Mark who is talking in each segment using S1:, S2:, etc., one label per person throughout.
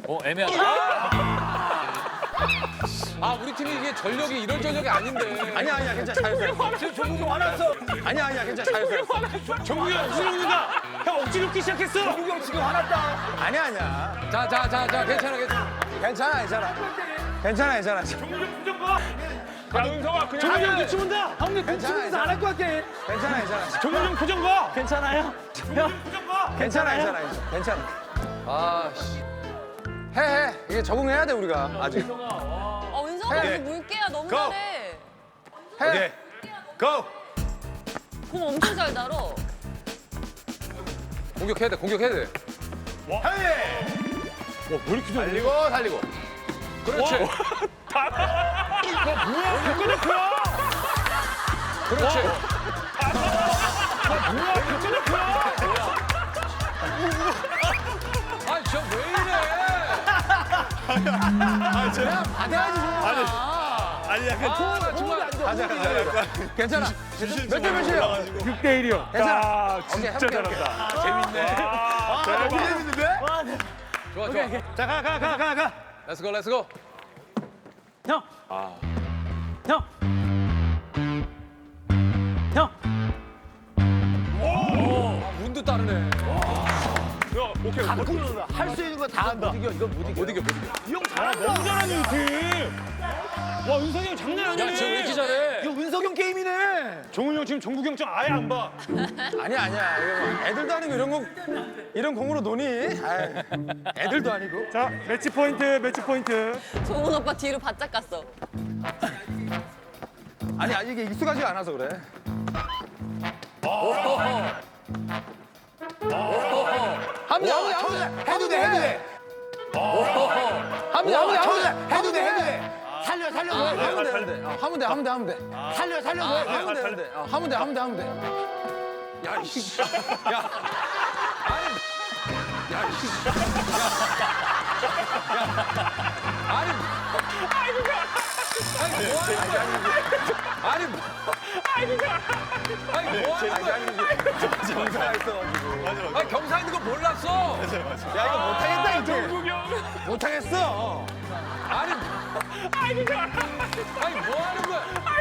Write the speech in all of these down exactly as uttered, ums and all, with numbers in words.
S1: 어, 애매하다. 아, 우리 팀이 이게 전력이 이런 전력이 아닌데.
S2: 아니야 아니야 괜찮아 잘했어.
S1: 지금 종국이 화났어.
S2: 아니야 아니야 괜찮아 잘했어.
S3: 정국이 형 억지로 웃는다. 형 억지로 웃기 시작했어.
S1: 종국이 형 지금 화났다.
S2: 아니야 아니야.
S1: 자, 자, 자, 자, 괜찮아, 괜찮아.
S2: 괜찮아 괜찮아. 괜찮아 괜찮아.
S3: 정국이 형 부정 봐. 야 은성아 그냥 정국이 형 눈치 본다. 형님
S2: 눈치 보면서 안
S3: 할 것 같아.
S2: 괜찮아 괜찮아.
S3: 정국이 형 부정 봐. 괜찮아요? 정국이 형 부정 봐.
S2: 괜찮아 괜찮아 괜찮아.
S1: 아, 씨.
S2: 해 해. 이게 적응해야 돼 우리가 아직.
S4: 어, 은성아,
S2: 해.
S4: 그 물개야 너무
S2: Go.
S4: 잘해.
S2: 해. 고.
S4: 공 엄청 잘 달어.
S1: 공격해야 돼, 공격해야 돼.
S2: 해.
S3: 와왜 이렇게 잘해?
S2: 달리고 달리고.
S1: 그렇지.
S3: 뭐야 백과대표야.
S1: 그렇지.
S3: 뭐야 백과대표야.
S1: 아, 저 왜 이래?
S2: 그냥 받아야지 좀.
S3: 아니 약간
S1: 아, 정말.
S2: 가자 가자. 괜찮아. 몇 대 몇이에요?
S3: 육 대 일이요.
S2: 괜찮아.
S3: 아
S2: 오케이,
S3: 진짜
S2: 해볼게,
S3: 잘한다. 재밌네.
S2: 아
S3: 대박.
S2: 너무 재밌는데?
S1: 좋아, 좋아.
S3: 자가 가 가 가 가.
S1: 렛츠 고, 렛츠 고.
S3: 형. 형. 형.
S1: 아, 운도 따르네.
S3: 야 오케이.
S2: 할 수 있는 거 다 한다.
S1: 못 이겨, 이거 못 이겨. 못 이겨, 못 이겨.
S3: 이형 잘한다. 너무 잘하네 이 팀. 와 은성이 형 장난 아니네.
S1: 야, 저 왜 이렇게 잘해?
S2: 이거 은석형 게임이네.
S3: 정훈이 형 지금 정국이 형 좀 아예 안 봐.
S2: 아니야 아니야. 이거 뭐 애들도 아니고 이런 거 이런 공으로 노니? 아이, 애들도 아니고.
S3: 자 매치 포인트 매치 포인트.
S4: 종훈 오빠 뒤로 바짝 갔어.
S2: 아니 아니, 이게 익숙하지가 않아서 그래. 합니다 합니다 합니다. 해도 돼 해도 돼. 합니다 합니다 합니다. 해도 돼 해도 돼. 살려 살려 줘. 하면 돼 하면 돼. 어, 하면 돼 하면 돼 하면 돼. 살려 살려 줘. 하면 돼 하면 돼. 어, 하면 돼 하면 돼 하면 돼.
S1: 야, 이씨. 야. 아니. 야, 이씨. 아니. 아니, 뭐 하는 거야? 아니, 뭐. 아니, 뭐 하는 거야?
S2: 정사가 있어가지고.
S1: 아니, 경사 있는 거 몰랐어.
S2: 야 이거 못하겠다 이제.
S3: 정국이 형.
S2: 못하겠어.
S1: 아니, 아니, 뭐 하는 거야?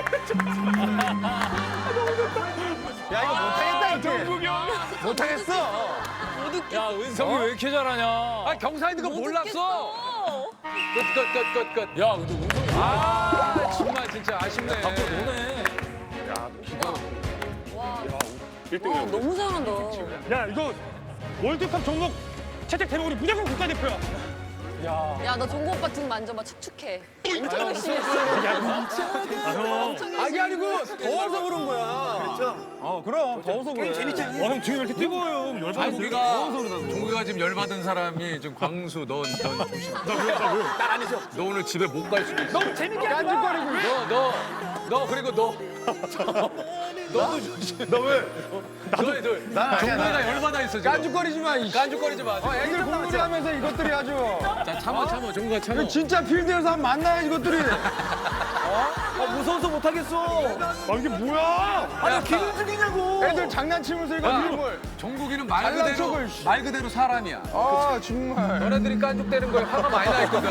S2: 야 이거 못하겠다 이제.
S3: 정국이 형.
S2: 못하겠어.
S4: 못 웃겨.
S1: 야, 은성이 왜 이렇게 잘하냐? 아, 경사 있는 거
S4: 못
S1: 몰랐어.
S4: 웃겠어.
S1: 끝, 끝, 끝, 끝, 끝. 야, 근데 은성이. 아, 정말 진짜 아쉽네. 밖으로 노네.
S4: 와, 너무 잘한다.
S3: 야 이거 월드컵 종목 채택되면 우리 무조건 국가대표야.
S4: 야, 너 종국 오빠 등 만져봐. 축축해. 엄청 열심히 했어.
S3: 아 형.
S2: 아기 아니고 더워서 그런 거야. 그렇죠. 어 그럼 더워서 그래. 재밌잖아.
S3: 와형 등이 왜 이렇게 뜨거워요?
S1: 아니,
S3: 열받았어.
S1: 우리가 종국이가 지금 열받은 사람이 지금 광수, 넌, 넌 조심. 너 오늘 집에 못 갈 수도 있어.
S2: 너무 재밌게 깐죽거리고.
S1: 너, 너, 너 그리고 너. 너도 조심.
S2: 너 왜?
S1: 너희 둘.
S2: 난 아니야, 난
S1: 종국이가 열받아 있어 지금.
S2: 깐죽거리지 마. 이
S1: 깐죽거리지 마.
S2: 어, 애들 공부를 하면서 이것들이 아주.
S1: 자, 참아, 참아. 종국아 참아.
S2: 이거 진짜 필드에서 한번 만나야 이것들이.
S3: 아 무서워서 못하겠어. 아 이게 뭐야?
S1: 아니,
S2: 기분 죽이냐고. 애들 장난치면서 이거
S1: 야,
S2: 이걸.
S1: 종국이는 말
S2: 잘난
S1: 그대로
S2: 척을, 씨.
S1: 말 그대로 사람이야.
S2: 아 정말.
S1: 너네들이 깐죽대는 거에 화가 많이 나 있거든.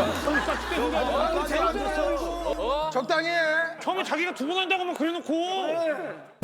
S2: 적당히 해.
S3: 처음에 자기가 두 번 한다고만 그래놓고.